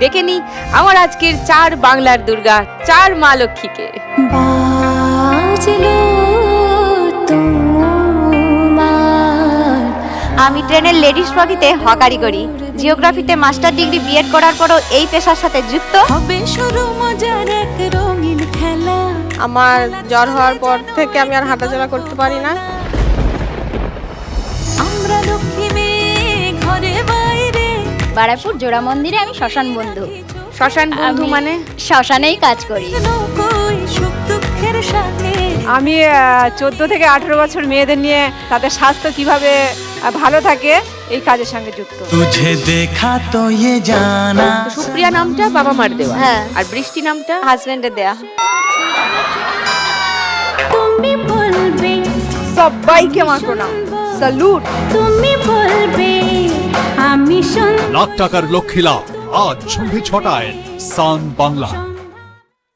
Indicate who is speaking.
Speaker 1: ডেকে নি আমার আজকের 4 বাংলার দুর্গা 4 মা লক্ষ্মীকে।
Speaker 2: আমি ট্রেনের লেডিস বগিতে হকারি করি। জিওগ্রাফিতে মাস্টার ডিগ্রি বিএড করার পরও এই পেশার সাথে যুক্ত।
Speaker 3: আমার জ্বর হওয়ার পর থেকে আমি আর হাঁটাচলা করতে পারি না।
Speaker 2: বারাইপুর জোড়া মন্দিরে আমি শ্মশান বন্ধু।
Speaker 1: শ্মশান বন্ধু মানে
Speaker 2: শ্মশানেই কাজ করি।
Speaker 4: আমি 14 থেকে 18 বছর মেয়েদের নিয়ে তাদের স্বাস্থ্য কিভাবে ভালো থাকে এই কাজের সঙ্গে যুক্ত।
Speaker 5: তুঝে দেখা তো ইয়ে জানা।
Speaker 1: সুপ্রিয়া নামটা বাবা মার দেওয়া,
Speaker 2: হ্যাঁ।
Speaker 1: আর বৃষ্টি নামটা
Speaker 2: হাজবেন্ডের দেয়া।
Speaker 6: তুমি বলবে
Speaker 4: সবাইকে আমার প্রণাম, স্যালুট।
Speaker 6: তুমি বলবে আমি
Speaker 7: লাখ টাকার লক্ষ্মী লাভ আজ সন্ধ্যে 6টায় সান বাংলা।